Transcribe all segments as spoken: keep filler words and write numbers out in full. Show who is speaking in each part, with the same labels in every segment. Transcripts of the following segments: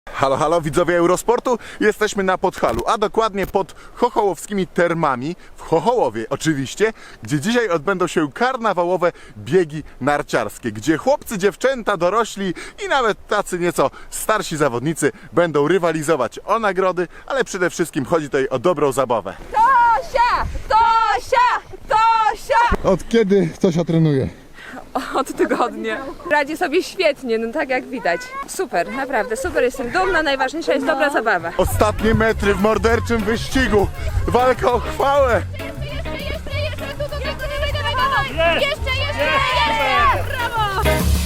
Speaker 1: Halo, halo, widzowie Eurosportu, jesteśmy na Podhalu, a dokładnie pod chochołowskimi termami, w Chochołowie oczywiście, gdzie dzisiaj odbędą się karnawałowe biegi narciarskie, gdzie chłopcy, dziewczęta, dorośli i nawet tacy nieco starsi zawodnicy będą rywalizować o nagrody, ale przede wszystkim chodzi tutaj o dobrą zabawę.
Speaker 2: Tosia! Tosia! Tosia!
Speaker 1: Od kiedy Tosia trenuje?
Speaker 2: Od tygodnia. Radzi sobie świetnie, no tak jak widać. Super, naprawdę, super, jestem dumna, najważniejsza jest dobra zabawa.
Speaker 1: Ostatnie metry w morderczym wyścigu, walka o chwałę!
Speaker 3: Jeszcze, jeszcze, jeszcze, tu, tu, tu, dawaj, dawaj, dawaj! Jeszcze, jeszcze, jeszcze! Brawo!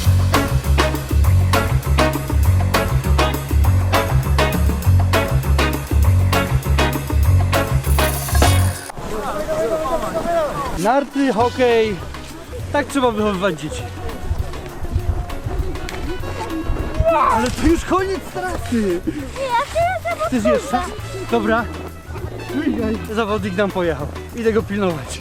Speaker 4: Narty, hokej, tak trzeba wychowywać dzieci. Ale to już koniec trasy. Chcesz jeszcze? Dobra. Zawodnik nam pojechał. Idę go pilnować.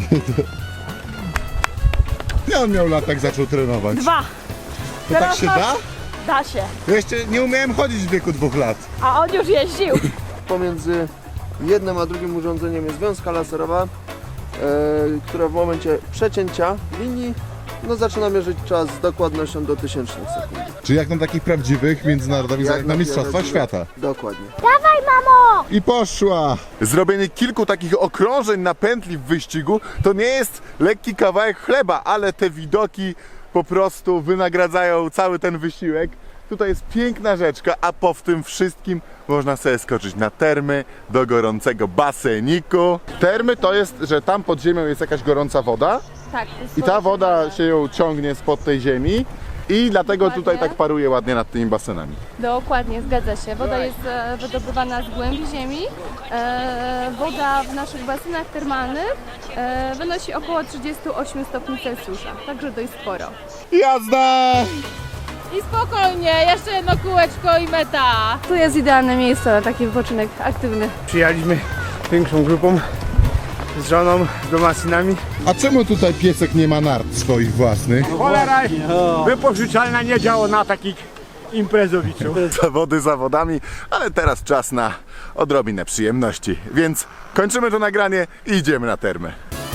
Speaker 1: Ja on miał lat, jak zaczął trenować.
Speaker 5: Dwa.
Speaker 1: To tak się da?
Speaker 5: Da się.
Speaker 1: Ja jeszcze nie umiałem chodzić w wieku dwóch lat.
Speaker 5: A on już jeździł.
Speaker 6: Pomiędzy jednym a drugim urządzeniem jest wiązka laserowa, e, która w momencie przecięcia linii no, zaczyna mierzyć czas z dokładnością do tysięcznych sekund.
Speaker 1: Czy jak na takich prawdziwych międzynarodowych, jak na Mistrzostwach Świata.
Speaker 6: Dokładnie.
Speaker 5: Dawaj, mamo!
Speaker 1: I poszła! Zrobienie kilku takich okrążeń na pętli w wyścigu to nie jest lekki kawałek chleba, ale te widoki po prostu wynagradzają cały ten wysiłek. Tutaj jest piękna rzeczka, a po tym wszystkim można sobie skoczyć na termy do gorącego baseniku. Termy to jest, że tam pod ziemią jest jakaś gorąca woda
Speaker 5: Tak.
Speaker 1: i ta woda się ją ciągnie spod tej ziemi i dlatego tutaj tak paruje ładnie nad tymi basenami.
Speaker 7: Dokładnie, zgadza się. Woda jest e, wydobywana z głębi ziemi. E, woda w naszych basenach termalnych e, wynosi około trzydzieści osiem stopni Celsjusza, także dość sporo.
Speaker 1: Jazda!
Speaker 5: I spokojnie, jeszcze jedno kółeczko i meta.
Speaker 7: Tu jest idealne miejsce na taki wypoczynek aktywny.
Speaker 4: Przyjechaliśmy większą grupą z żoną, z dwoma synami.
Speaker 1: A czemu tutaj piesek nie ma nart swoich własnych?
Speaker 8: Cholera wypożyczalna nie działa na takich imprezowiczów.
Speaker 1: Zawody zawodami, ale teraz czas na odrobinę przyjemności. Więc kończymy to nagranie i idziemy na termy.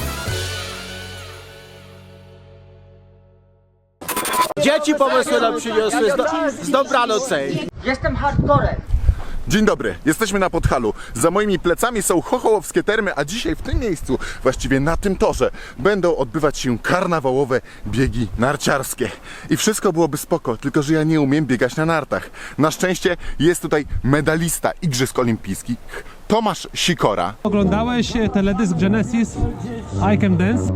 Speaker 8: Dzieci pomysły nam przyniosły z, z dobranocej.
Speaker 1: Dzień dobry, jesteśmy na Podhalu. Za moimi plecami są chochołowskie termy, a dzisiaj w tym miejscu, właściwie na tym torze, będą odbywać się karnawałowe biegi narciarskie. I wszystko byłoby spoko, tylko że ja nie umiem biegać na nartach. Na szczęście jest tutaj medalista Igrzysk Olimpijskich, Tomasz Sikora.
Speaker 9: Oglądałeś teledysk Genesis I Can Dance?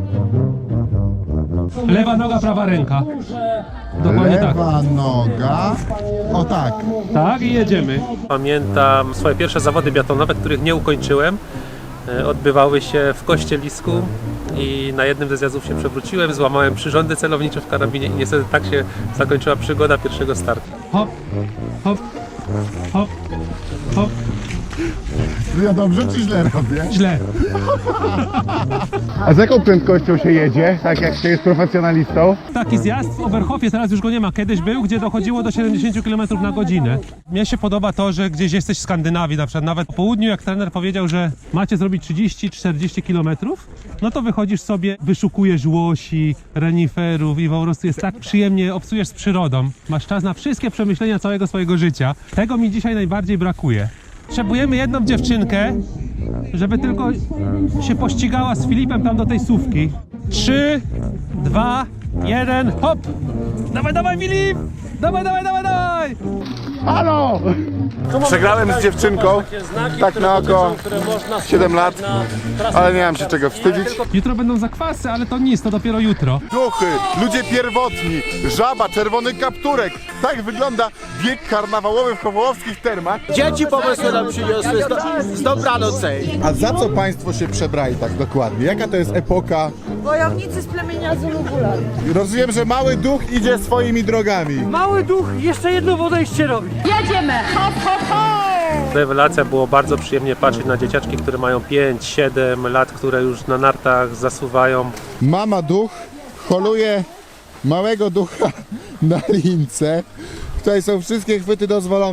Speaker 9: Lewa noga, prawa ręka. Dokładnie tak.
Speaker 1: Lewa noga, o tak.
Speaker 9: Tak i jedziemy.
Speaker 10: Pamiętam swoje pierwsze zawody biatlonowe, których nie ukończyłem. E, Odbywały się w Kościelisku i na jednym ze zjazdów się przewróciłem, złamałem przyrządy celownicze w karabinie i niestety tak się zakończyła przygoda pierwszego startu.
Speaker 9: Hop, hop, hop, hop.
Speaker 1: Ja dobrze czy źle robię?
Speaker 9: Źle.
Speaker 1: A z jaką prędkością się jedzie, tak jak się jest profesjonalistą?
Speaker 9: Taki zjazd w Oberhofie, teraz już go nie ma. Kiedyś był, gdzie dochodziło do siedemdziesiąt kilometrów na godzinę. Mnie się podoba to, że gdzieś jesteś w Skandynawii, na przykład nawet po południu, jak trener powiedział, że macie zrobić trzydzieści czterdzieści kilometrów, no to wychodzisz sobie, wyszukujesz łosi, reniferów i po prostu jest tak przyjemnie, obcujesz z przyrodą. Masz czas na wszystkie przemyślenia całego swojego życia. Tego mi dzisiaj najbardziej brakuje. Potrzebujemy jedną dziewczynkę, żeby tylko się pościgała z Filipem tam do tej sówki. Trzy, dwa, jeden, hop! Dawaj, dawaj, Filip! Dawaj, dawaj, dawaj, dawaj!
Speaker 1: Halo! Przegrałem z dziewczynką, tak na oko, siedem lat, ale nie mam się czego wstydzić.
Speaker 9: Jutro będą zakwasy, ale to nic, to dopiero jutro.
Speaker 1: Duchy, ludzie pierwotni, żaba, czerwony kapturek. Tak wygląda bieg karnawałowy w chochołowskich termach.
Speaker 8: Dzieci pomysły nam przyniosły z, do, z dobranocej.
Speaker 1: A za co państwo się przebrali tak dokładnie? Jaka to jest epoka?
Speaker 5: Wojownicy z plemienia Zulu-Bulan.
Speaker 1: Rozumiem, że mały duch idzie swoimi drogami.
Speaker 4: Mały duch jeszcze jedno podejście robi.
Speaker 5: Jedziemy! Hop, hop, hop!
Speaker 10: Rewelacja, było bardzo przyjemnie patrzeć na dzieciaczki, które mają pięć siedem lat, które już na nartach zasuwają.
Speaker 1: Mama duch holuje małego ducha na lince. Tutaj są wszystkie chwyty dozwolone.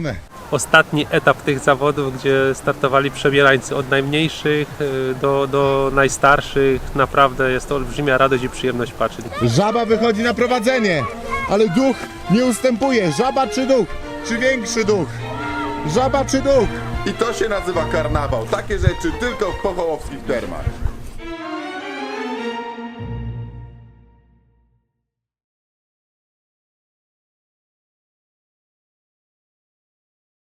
Speaker 10: ostatni etap tych zawodów, gdzie startowali przebierańcy od najmniejszych y, do, do najstarszych. Naprawdę jest to olbrzymia radość i przyjemność patrzeć.
Speaker 1: Żaba wychodzi na prowadzenie, ale duch nie ustępuje. Żaba czy duch? Czy większy duch? Żaba czy duch? I to się nazywa karnawał. Takie rzeczy tylko w pochołowskich termach.